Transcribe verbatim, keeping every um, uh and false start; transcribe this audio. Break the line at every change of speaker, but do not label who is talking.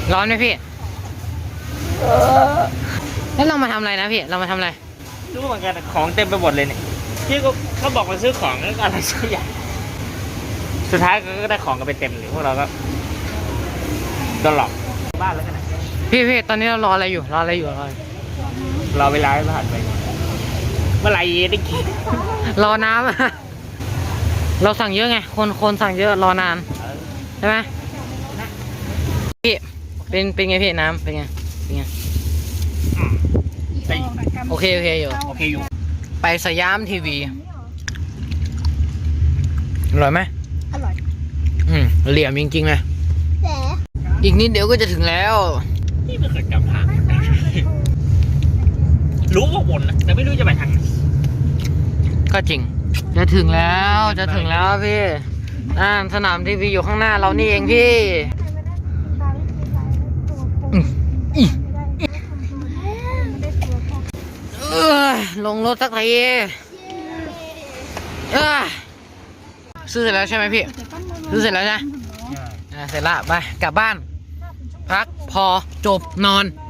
ร้อนไหมพี่แล้วเรามาทำอะไรนะพี่เรามาทำอะไร
รู้เหมือนกันของเต็มไปหมดเลยเนี่ยพี่ก็เขาบอกมาซื้อของแล้วก็อะไรสักอย่างสุดท้ายก็ได้ของกันไปเต็มเลยพวกเราก็โดนหลอกบ้านแล้วกันนะ
พี่พี่ตอนนี้เรารออะไรอยู่รออะไรอยู่รอ
รอเวลาให้ผ่านไปเมื่อไหร่ได้กิน
รอน้ำเราสั่งเยอะไงคนคนสั่งเยอะรอนานใช่ไหมพี่เป็นเป็นไงพี่น้ำเป็นไงเป็นไงโอเคโอเคอยู่
โอเคอยู่
ไปสยามทีวีอร่อยไหม
อร่อย
อืมเหลี่ยมจริงๆเลยแต่อีกนิดเดี๋ยวก็จะถึงแล้ว
นี่ไม่เคยจำทางรู้ว่าวนนะแต่ไม่รู้จะไปทางไหน
ก็จริงจะถึงแล้วจะถึงแล้วพี่อ่าสนามทีวีอยู่ข้างหน้าเรานี่เองพี่เออลงรถสักทีเออซื้อเสร็จแล้วใช่ไหมพี่ซื้อเสร็จแล้วใช่ไหมเสร็จละไปกลับบ้านพักพอจบนอน